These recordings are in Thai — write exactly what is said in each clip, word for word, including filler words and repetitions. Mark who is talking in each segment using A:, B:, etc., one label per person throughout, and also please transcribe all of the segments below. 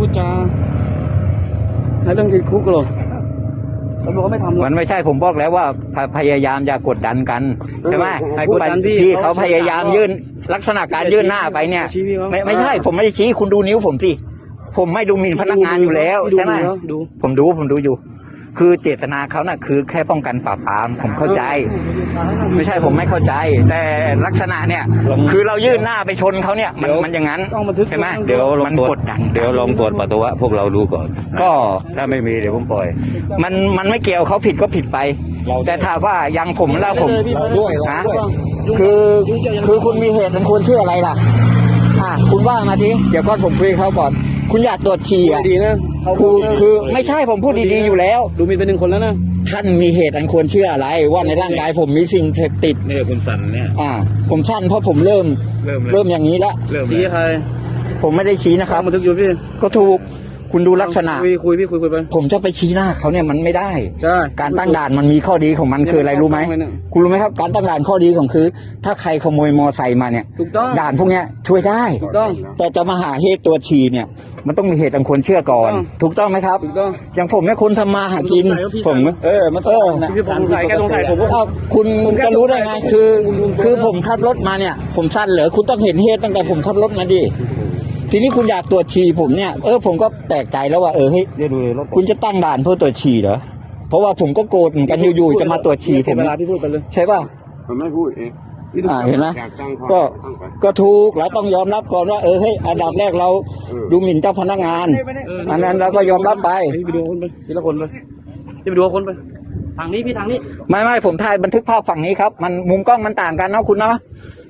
A: จาให้เรื่องติดคุกหรอตำรวจเขาไม่ทำหรอก
B: มันไม่ใช่ผมบอกแล้วว่าพยายามอย่ากดดันกันใช่ไหม
A: กดดันพี่
B: ที่เขาพยายามยื่นลักษณะการยื่นหน้าไปเนี่ยไม่ไม่ใช่ผมไม่ได้ชี้คุณดูนิ้วผมสิผมไม่ดูหมิ่นพนักงานอยู่แล้วใช่ไหมผมดูผมดูอยู่คือเจตนาเขาน่ะคือแค่ป้องกันปราบปรามผมเข้าใจไม่ใช่ผมไม่เข้าใจแต่ลักษณะเนี่ยคือเรายื่นหน้าไปชนเขาเนี่ยมันมันอย่างนั้นใช่ไหม
C: เดี๋ยวลอง
B: มัน
C: ตรวจ
B: กดดัน
C: เดี๋ยวลองตรวจปัสสาวะพวกเราดูก่อน
B: ก็
C: ถ้าไม่มีเดี๋ยวผมปล่อย
B: มันมันไม่เกี่ยวเขาผิดก็ผิดไปแต่ถ้าว่ายังผมแล้วผมนะคือคือคุณมีเหตุอันควรเชื่ออะไรล่ะอ่ะคุณว่ามาทีเดี๋ยวก่อนผมคุยเขาก่อนคุณอยากตรวจฉี่อ่ะ
A: ดีนะ
B: คือคือไม่ใช่ผมพูดดีๆอยู่แล้ว
A: ดูมีเป็นหนึ่งคนแล้วนะ
B: ท่านมีเหตุอันควรเชื่ออะไรว่าในร่างกายผมมีสิ่งเสพติด
C: เนี่ยคุณสันเนี่ย
B: อ่าผมสั้นเพราะผมเริ่ม
C: เริ่ม
B: เริ่มอย่างนี้แล้ว
C: เริ่ม
A: ชี้ใคร
B: ผมไม่ได้ชี้นะครับ
A: บันทึกอยู่พี่
B: ก็ถูกคุณดูลักษณะ
A: คุยคุยพี่คุยคุยไป
B: ผมจะไปชี้หน้าเขาเนี่ยมันไม่ได้
A: ใช่
B: การตั้งด่านมันมีข้อดีของมันคืออะไรรู้ไหมคุณรู้ไหมครับการตั้งด่านข้อดีของคือถ้าใครขโมยมอไซค์มาเนี่ย
A: ถูกต้อง
B: ด่านพวกเนี้ยช่วยได้
A: ถูกต้อง
B: แต่จะมาหาเหตุตัวฉี่เนี่ยมันต้องมีเหตุอันควรเชื่อก่อนถูกต้องไหมครับ
A: ถูกต้อง
B: อย่างผมเนี่ยคุณทำมาหากินผมเออมันเออ
A: พี่ผมสงสัยแกสงสัยผม
B: ว่าคุณจะรู้ได้ไงคือคือผมขับรถมาเนี่ยผมสั้นเหรอคุณต้องเห็นเหตุตั้งแต่ผมขับรถมาดิทีนี้คุณอยากตรวจฉี่ผมเนี่ยเออผมก็แปลกใจแล้วว่าเออเฮ้ยคุณจะตั้งด่านเพื่อตรวจฉี่เหรอเพราะว่าผมก็โกรธเหมือนกันอยู่ๆจะมาตรวจฉี่ผม
A: เวลาพี่พูดไปเลย
B: ใช่ป่ะ
D: ผมไม่พูดเอง
B: อ่าเห็นไหมก็ก็ถูกเราต้องยอมรับก่อนว่าเออเฮ้ยอันดับแรกเราดูหมิ่นเจ้าพนักงานอันนั้นเราก็ยอมรับไป
A: ไปดูคนไปทีละคนไปไปดูคนไปทางนี้พี่ทางนี้
B: ไม่ไม่ผมถ่ายบันทึกภาพฝั่งนี้ครับมันมุมกล้องมันต่างกันนะคุณเนาะ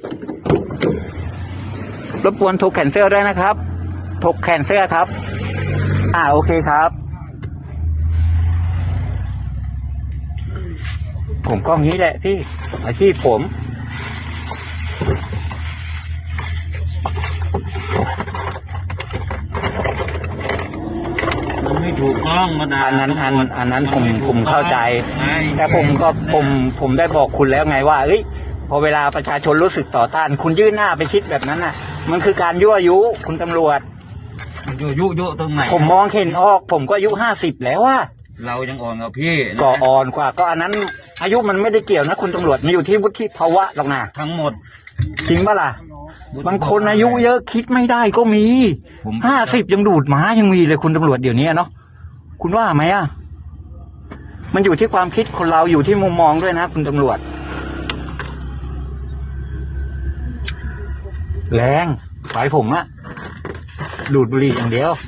B: รบกวนถกแขนเสื้อด้วยนะครับถกแขนเสื้อครับอ่าโอเคครับผมก็งี้แหละพี่อาชีพผม
C: มันไม่ถูกต้องมาด่า
B: อันนั้นอันอันนั้นผมผมเข้าใจแต่ผมก็ผมผมได้บอกคุณแล้วไงว่าเอ้ยพอเวลาประชาชนรู้สึกต่อต้านคุณยื่นหน้าไปชิดแบบนั้นน่ะมันคือการยั่วยุคุณตำรวจ
C: ยุยุยุตรงไหน
B: ผมมองเห็นออกผมก็อายุห้าสิบแล้วว่า
C: เรายังอ่อนกว่าพี่
B: ก็อ่อนกว่าก็อันนั้นอายุมันไม่ได้เกี่ยวนะคุณตำรวจมันอยู่ที่วุฒิภาวะหรอกนะ
C: ทั้งหมด
B: จริงปะล่ะบางคนอายุเยอะคิดไม่ได้ก็มีห้าสิบยังดูดหมายังมีเลยคุณตำรวจเดี๋ยวนี้เนาะคุณว่าไหมอ่ะมันอยู่ที่ความคิดคนเราอยู่ที่มุมมองด้วยนะคุณตำรวจแรงไฟผมอะดูดบุหรี่อย่างเดียว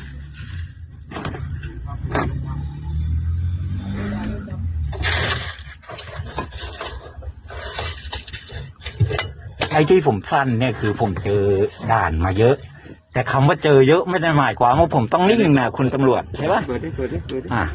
B: ไอ้ที่ผมสั้นเนี่ยคือผมเจอด่านมาเยอะแต่คำว่าเจอเยอะไม่ได้หมายความว่าผมต้องนิ่งนะคุณตำรวจใช่ปะ
D: เปิดดิเปิดดิเปิดดิ
B: อ่ะ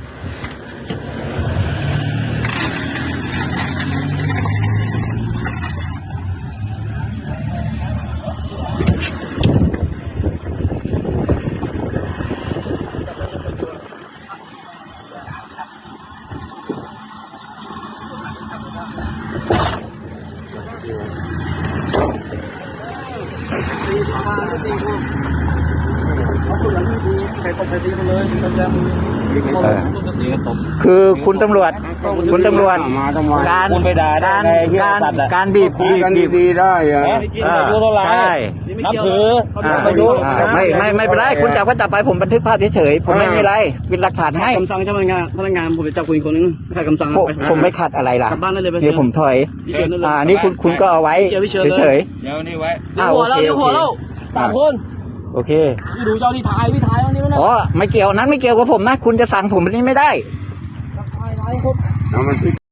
B: คือคุณตำรวจคุณตำรวจการการการการบีบบีบบีบ
D: ดีได้อะ
B: ใช่
A: นับถือ
B: ไม่ไม่ไม่เป็นไรคุณจับก็จับไปผมบันทึกภาพเฉยๆผมไม่มีอะไรเป็นหลักฐานให้
A: คำสั่งเจ้าพนักงานพนักงานผมจะจับคุณคนนึงใครคำสั่ง
B: ผมไม่ขัดอะไรล่ะ
A: กลับบ้านได้เลยไป
B: เดี๋ยวผมถอยอ่านี่คุณคุณก็เอาไว้เฉย
C: ๆเดี๋ยวนี่ไว้
A: เดี๋ยวหัวเราเดี๋ยวหัวเราสามคน
B: โอเค
A: พี่ดูเจ้าที่ถ่ายพี่ถ่ายวันนี้ไม่ได้
B: อ๋อไม่เกี่ยวนั้นไม่เกี่ยวกับผมนะคุณจะสั่งผมแบบนี้ไม่ได้
D: เอามัน